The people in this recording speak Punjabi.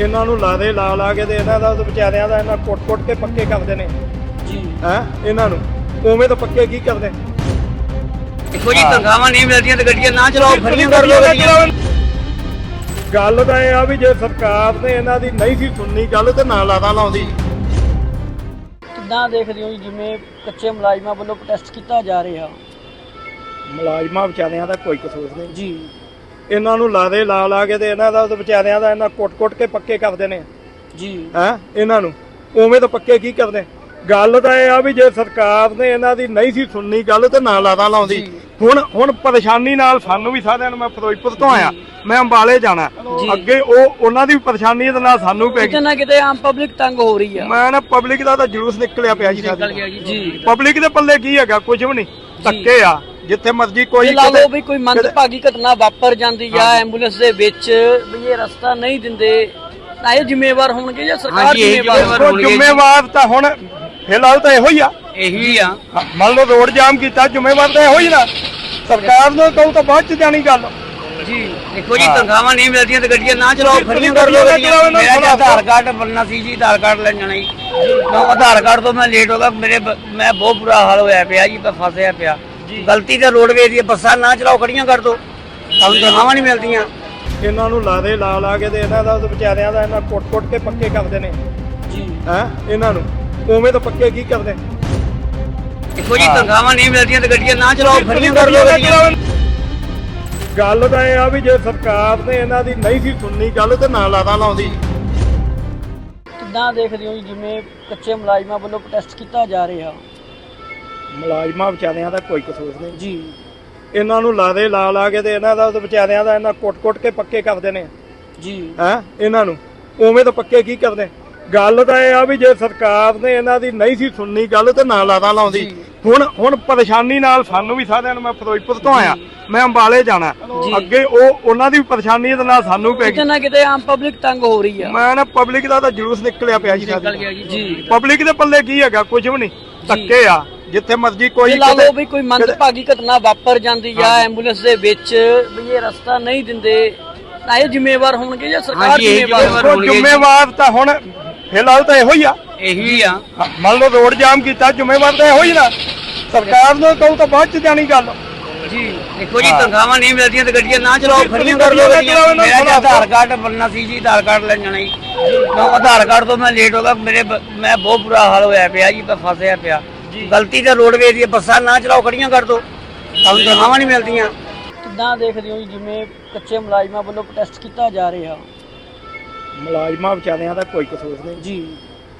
ਇਹਨਾਂ ਨੂੰ ਲਾ ਦੇ ਲਾ ਕੇ ਤੇ ਇਹਨਾਂ ਦਾ ਵਿਚਾਰਿਆਂ ਦਾ ਇਹਨਾਂ ਕੁੱਟ ਕੇ ਪੱਕੇ ਕਰਦੇ ਨੇ ਜੀ ਹੈ ਇਹਨਾਂ ਨੂੰ ਉਵੇਂ ਤਾਂ ਪੱਕੇ ਕੀ ਕਰਦੇ। ਦੇਖੋ ਜੀ ਤਨਖਾਹਾਂ ਨਹੀਂ ਮਿਲਦੀਆਂ ਤੇ ਗੱਡੀਆਂ ਨਾ ਚਲਾਓ, ਫਰੀਆਂ ਕਰ ਲਓ ਗੱਡੀਆਂ। ਗੱਲ ਤਾਂ ਇਹ ਆ ਵੀ ਜੇ ਸਰਕਾਰ ਨੇ ਇਹਨਾਂ ਦੀ ਨਹੀਂ ਸੀ ਸੁਣਨੀ ਗੱਲ ਤੇ ਨਾ ਲਾਦਾ ਲਾਉਂਦੀ। ਕਿੱਦਾਂ ਦੇਖਦੇ ਹੋ ਜੀ ਜਿਵੇਂ ਕੱਚੇ ਮੁਲਾਜ਼ਮਾਂ ਵੱਲੋਂ ਪ੍ਰੋਟੈਸਟ ਕੀਤਾ ਜਾ ਰਿਹਾ? ਮੁਲਾਜ਼ਮਾਂ ਵਿਚਾਰਿਆਂ ਦਾ ਕੋਈ ਕਸੂਰ ਨਹੀਂ ਜੀ ਇਹਨਾਂ ਨੂੰ ਲਾ ਦੇ ਲਾ ਕੇ ਤੇ ਇਹਨਾਂ ਦਾ ਵਿਚਾਰਿਆਂ ਦਾ ਇਹਨਾਂ ਕੁੱਟ ਕੇ ਪੱਕੇ ਕਰਦੇ ਨੇ ਜੀ ਹੈ ਇਹਨਾਂ ਨੂੰ ਉਵੇਂ ਤਾਂ ਪੱਕੇ ਕੀ ਕਰਦੇ। ਗੱਲ ਤਾਂ ਇਹ ਆ ਵੀ ਜੇ ਸਰਕਾਰ ਨੇ ਇਹਨਾਂ ਦੀ ਨਹੀਂ ਸੀ ਸੁਣਨੀ ਗੱਲ ਤੇ ਨਾ ਲਾਦਾ ਲਾਉਂਦੀ। ਹੁਣ ਪਰੇਸ਼ਾਨੀ ਨਾਲ ਸਾਨੂੰ ਵੀ ਸਾਰਿਆਂ ਨੂੰ, ਮੈਂ ਫਿਰੋਜ਼ਪੁਰ ਤੋਂ ਆਇਆ, ਮੈਂ ਅੰਬਾਲੇ ਜਾਣਾ, ਅੱਗੇ ਉਹਨਾਂ ਦੀ ਵੀ ਪਰੇਸ਼ਾਨੀ ਦੇ ਨਾਲ ਸਾਨੂੰ ਪੈ ਕਿਤੇ ਨਾ ਕਿਤੇ ਆਮ ਪਬਲਿਕ ਤੰਗ ਹੋ ਰਹੀ ਆ। ਮੈਂ ਨਾ ਪਬਲਿਕ ਦਾ ਤਾਂ ਜਲੂਸ ਨਿਕਲਿਆ ਪਿਆ ਜੀ ਜੀ ਪਬਲਿਕ ਦੇ ਪੱਲੇ ਕੀ ਹੈਗਾ, ਕੁਝ ਵੀ ਨਹੀਂ, ਧੱਕੇ ਆ ਜਿੱਥੇ ਮਰਜ਼ੀ ਕੋਈ ਲਾ ਲਓ ਵੀ ਕੋਈ ਮੰਦਭਾਗੀ ਘਟਨਾ ਵਾਪਰ ਜਾਂਦੀ ਆ ਐਂਬੂਲੈਂਸ ਦੇ ਵਿੱਚ ਵੀ ਇਹ ਰਸਤਾ ਨਹੀਂ ਦਿੰਦੇ ਤਾਂ ਇਹ ਜ਼ਿੰਮੇਵਾਰ ਹੋਣਗੇ ਜਾਂ ਸਰਕਾਰ ਜ਼ਿੰਮੇਵਾਰ ਹੋਣਗੇ? ਜ਼ਿੰਮੇਵਾਰ ਤਾਂ ਹੁਣ ਫਿਲਹਾਲ ਤਾਂ ਇਹੋ ਹੀ ਆ, ਇਹੀ ਆ। ਮੰਨ ਲਓ ਰੋਡ ਜਾਮ ਕੀਤਾ, ਜ਼ਿੰਮੇਵਾਰ ਤਾਂ ਇਹੋ ਹੀ ਨਾ, ਸਰਕਾਰ ਨੂੰ ਕਹੂ ਤਾਂ ਬਾਅਦ ਚ ਜਾਣੀ ਗੱਲ। ਜੀ ਦੇਖੋ ਜੀ ਤਨਖਾਹਾਂ ਨਹੀਂ ਮਿਲਦੀਆਂ ਤੇ ਗੱਡੀਆਂ ਨਾ ਚਲਾਓ, ਫਰੀਆਂ ਕਰ ਲਓ ਗੱਡੀਆਂ। ਮੇਰਾ ਆਧਾਰ ਕਾਰਡ ਬਣਨਾ ਸੀ ਜੀ, ਆਧਾਰ ਕਾਰਡ ਲੈਣ ਜਾਣਾ ਜੀ। ਆਧਾਰ ਕਾਰਡ ਤੋਂ ਮੈਂ ਲੇਟ ਹੋ ਗਿਆ, ਮੈਂ ਬਹੁਤ ਬੁਰਾ ਹਾਲ ਹੋਇਆ ਪਿਆ ਜੀ, ਮੈਂ ਫਸਿਆ ਪਿਆ। ਗਲਤੀ ਤਾਂ ਰੋਡਵੇਜ਼ ਦੀ, ਬੱਸਾਂ ਨਾ ਚਲਾਓ, ਖੜੀਆਂ ਕਰ ਦੋ, ਤੁਹਾਨੂੰ ਤਨਖਾਹਾਂ ਨਹੀਂ ਮਿਲਦੀਆਂ। ਇਹਨਾਂ ਨੂੰ ਲਾ ਦੇ ਲਾ ਕੇ ਤੇ ਇਹਨਾਂ ਦਾ ਵਿਚਾਰਿਆਂ ਦਾ ਇਹਨਾਂ ਕੁੱਟ ਕੇ ਪੱਕੇ ਕਰਦੇ ਨੇ ਜੀ ਹੈ ਇਹਨਾਂ ਨੂੰ ਉਵੇਂ ਤਾਂ ਪੱਕੇ ਕੀ ਕਰਦੇ। ਦੇਖੋ ਜੀ ਤਨਖਾਹਾਂ ਨਹੀਂ ਮਿਲਦੀਆਂ ਤੇ ਗੱਡੀਆਂ ਨਾ ਚਲਾਓ, ਫਰੀਆਂ ਕਰ ਲਓ ਗੱਡੀਆਂ। ਗੱਲ ਤਾਂ ਇਹ ਆ ਵੀ ਜੇ ਸਰਕਾਰ ਨੇ ਇਹਨਾਂ ਦੀ ਨਹੀਂ ਸੀ ਸੁਣਨੀ ਗੱਲ ਤੇ ਨਾ ਲਾਦਾ ਲਾਉਂਦੀ। ਕਿੱਦਾਂ ਦੇਖਦੇ ਹੋ ਜੀ ਜਿਵੇਂ ਕੱਚੇ ਮੁਲਾਜ਼ਮਾਂ ਵੱਲੋਂ ਪ੍ਰੋਟੈਸਟ ਕੀਤਾ ਜਾ ਰਿਹਾ? ਮੁਲਾਜ਼ਮਾਂ ਵਿਚਾਰਿਆਂ ਦਾ ਕੋਈ ਕਸੂਰ ਨਹੀਂ ਜੀ ਇਹਨਾਂ ਨੂੰ ਲਾ ਦੇ ਲਾ ਕੇ ਤੇ ਇਹਨਾਂ ਦਾ ਵਿਚਾਰਿਆਂ ਦਾ ਇਹਨਾਂ ਕੁੱਟ ਕੇ ਪੱਕੇ ਕਰਦੇ ਨੇ ਜੀ ਹੈ ਇਹਨਾਂ ਨੂੰ ਉਵੇਂ ਤਾਂ ਪੱਕੇ ਕੀ ਕਰਦੇ। ਗੱਲ ਤਾਂ ਇਹ ਆ ਵੀ ਜੇ ਸਰਕਾਰ ਨੇ ਇਹਨਾਂ ਦੀ ਨਹੀਂ ਸੀ ਸੁਣਨੀ ਗੱਲ ਤੇ ਨਾ ਲਾਦਾ ਲਾਉਂਦੀ। ਹੁਣ ਪਰੇਸ਼ਾਨੀ ਨਾਲ ਸਾਨੂੰ ਵੀ ਸਾਰਿਆਂ ਨੂੰ, ਮੈਂ ਫਿਰੋਜ਼ਪੁਰ ਤੋਂ ਆਇਆ, ਮੈਂ ਅੰਬਾਲੇ ਜਾਣਾ, ਅੱਗੇ ਉਹਨਾਂ ਦੀ ਵੀ ਪਰੇਸ਼ਾਨੀ ਦੇ ਨਾਲ ਸਾਨੂੰ ਪੈ ਕਿਤੇ ਨਾ ਕਿਤੇ ਆਮ ਪਬਲਿਕ ਤੰਗ ਹੋ ਰਹੀ ਆ। ਮੈਂ ਨਾ ਪਬਲਿਕ ਦਾ ਤਾਂ ਜਲੂਸ ਨਿਕਲਿਆ ਪਿਆ ਜੀ ਜੀ ਪਬਲਿਕ ਦੇ ਪੱਲੇ ਕੀ ਹੈਗਾ, ਕੁਝ ਵੀ ਨਹੀਂ, ਧੱਕੇ ਆ ਜਿੱਥੇ ਮਰਜ਼ੀ ਕੋਈ। ਲਾ ਲਓ ਵੀ ਕੋਈ ਮੰਦਭਾਗੀ ਘਟਨਾ ਵਾਪਰ ਜਾਂਦੀ ਆ ਐਂਬੂਲੈਂਸ ਦੇ ਵਿੱਚ ਵੀ ਇਹ ਰਸਤਾ ਨਹੀਂ ਦਿੰਦੇ ਤਾਂ ਇਹ ਜ਼ਿੰਮੇਵਾਰ ਹੋਣਗੇ ਜਾਂ ਸਰਕਾਰ ਜ਼ਿੰਮੇਵਾਰ ਹੋਣਗੇ? ਜ਼ਿੰਮੇਵਾਰ ਤਾਂ ਹੁਣ ਫਿਲਹਾਲ ਤਾਂ ਇਹੋ ਹੀ ਆ, ਇਹੀ ਆ। ਮੰਨ ਲਓ ਰੋਡ ਜਾਮ ਕੀਤਾ, ਜ਼ਿੰਮੇਵਾਰ ਤਾਂ ਇਹੋ ਹੀ ਨਾ, ਸਰਕਾਰ ਨੂੰ ਕਹੂ ਤਾਂ ਬਾਅਦ ਚ ਜਾਣੀ ਗੱਲ। ਜੀ ਦੇਖੋ ਜੀ ਤਨਖਾਹਾਂ ਨਹੀਂ ਮਿਲਦੀਆਂ ਤੇ ਗੱਡੀਆਂ ਨਾ ਚਲਾਓ, ਫਰੀਆਂ ਕਰ ਲਓ ਗੱਡੀਆਂ। ਮੇਰਾ ਆਧਾਰ ਕਾਰਡ ਬਣਨਾ ਸੀ ਜੀ, ਆਧਾਰ ਕਾਰਡ ਲੈਣ ਜਾਣਾ ਜੀ। ਆਧਾਰ ਕਾਰਡ ਤੋਂ ਮੈਂ ਲੇਟ ਹੋ ਗਿਆ, ਮੈਂ ਬਹੁਤ ਬੁਰਾ ਹਾਲ ਹੋਇਆ ਪਿਆ ਜੀ, ਮੈਂ ਫਸਿਆ ਪਿਆ। ਗਲਤੀ ਤਾਂ ਰੋਡਵੇਜ਼ ਦੀ, ਬੱਸਾਂ ਨਾ ਚਲਾਓ, ਖੜੀਆਂ ਕਰ ਦੋ, ਤੁਹਾਨੂੰ ਤਨਖਾਹਾਂ ਨਹੀਂ ਮਿਲਦੀਆਂ। ਕਿੱਦਾਂ ਦੇਖਦੇ ਹੋ ਜੀ ਜਿਵੇਂ ਕੱਚੇ ਮੁਲਾਜ਼ਮਾਂ ਵੱਲੋਂ ਪ੍ਰੋਟੈਸਟ ਕੀਤਾ ਜਾ ਰਿਹਾ? ਮੁਲਾਜ਼ਮਾਂ ਵਿਚਾਰਿਆਂ ਦਾ ਕੋਈ ਕਸੂਰ ਨਹੀਂ ਜੀ